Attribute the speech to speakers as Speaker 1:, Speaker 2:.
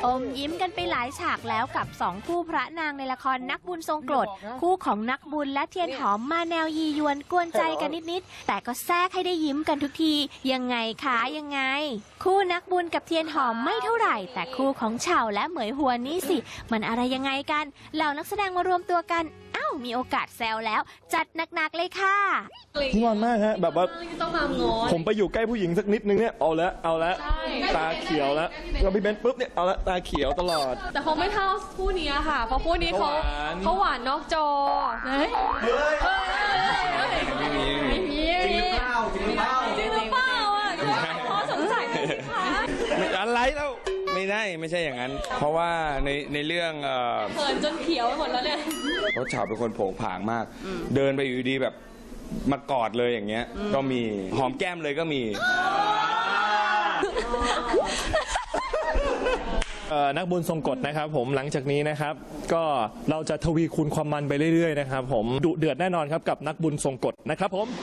Speaker 1: อมยิ้มกันไปหลายฉากแล้วกับ2คู่พระนางในละครนักบุญทรงกรดคู่ของนักบุญและเทียนหอมมาแนวยียวนกวนใจกันนิดๆแต่ก็แทรกให้ได้ยิ้มกันทุกทียังไงคะยังไงคู่นักบุญกับเทียนหอมไม่เท่าไหร่แต่คู่ของเฉาและเหมยหวนนี่สิมันอะไรยังไงกันเหล่านักแสดงมารวมตัวกันมีโอกาสแซวแล้วจัดหนักๆเลยค่ะ
Speaker 2: งอนมากฮะแบบว่าผมไปอยู่ใกล้ผู้หญิงสักนิดนึงเนี่ยเอาละตาเขียวแล้วพี่เบนปุ๊บเนี่ยเอาละตาเขียวตลอด
Speaker 3: แต่คงไม่เท่าคู่นี้ค่ะเพราะคู่นี้เขาหวานนอกจอ
Speaker 2: ไม่มีจริงหรือเปล่า
Speaker 3: พอสงสัย
Speaker 2: อะไรแล้วไม่ใช่อย่างนั้นเพราะว่าในเรื่อง
Speaker 3: เขินจนเขียวหมดแล้วเนี่ย
Speaker 2: เพราะฉาเป็นคนโผงผางมากเดินไปอยู่ดีแบบมากอดเลยอย่างเงี้ยก็มีหอมแก้มเลยก็มี
Speaker 4: นักบุญทรงกฎนะครับผมหลังจากนี้นะครับก็เราจะทวีคูณความมันไปเรื่อยๆนะครับผมดุเดือดแน่นอนครับกับนักบุญทรงกฎนะครับผม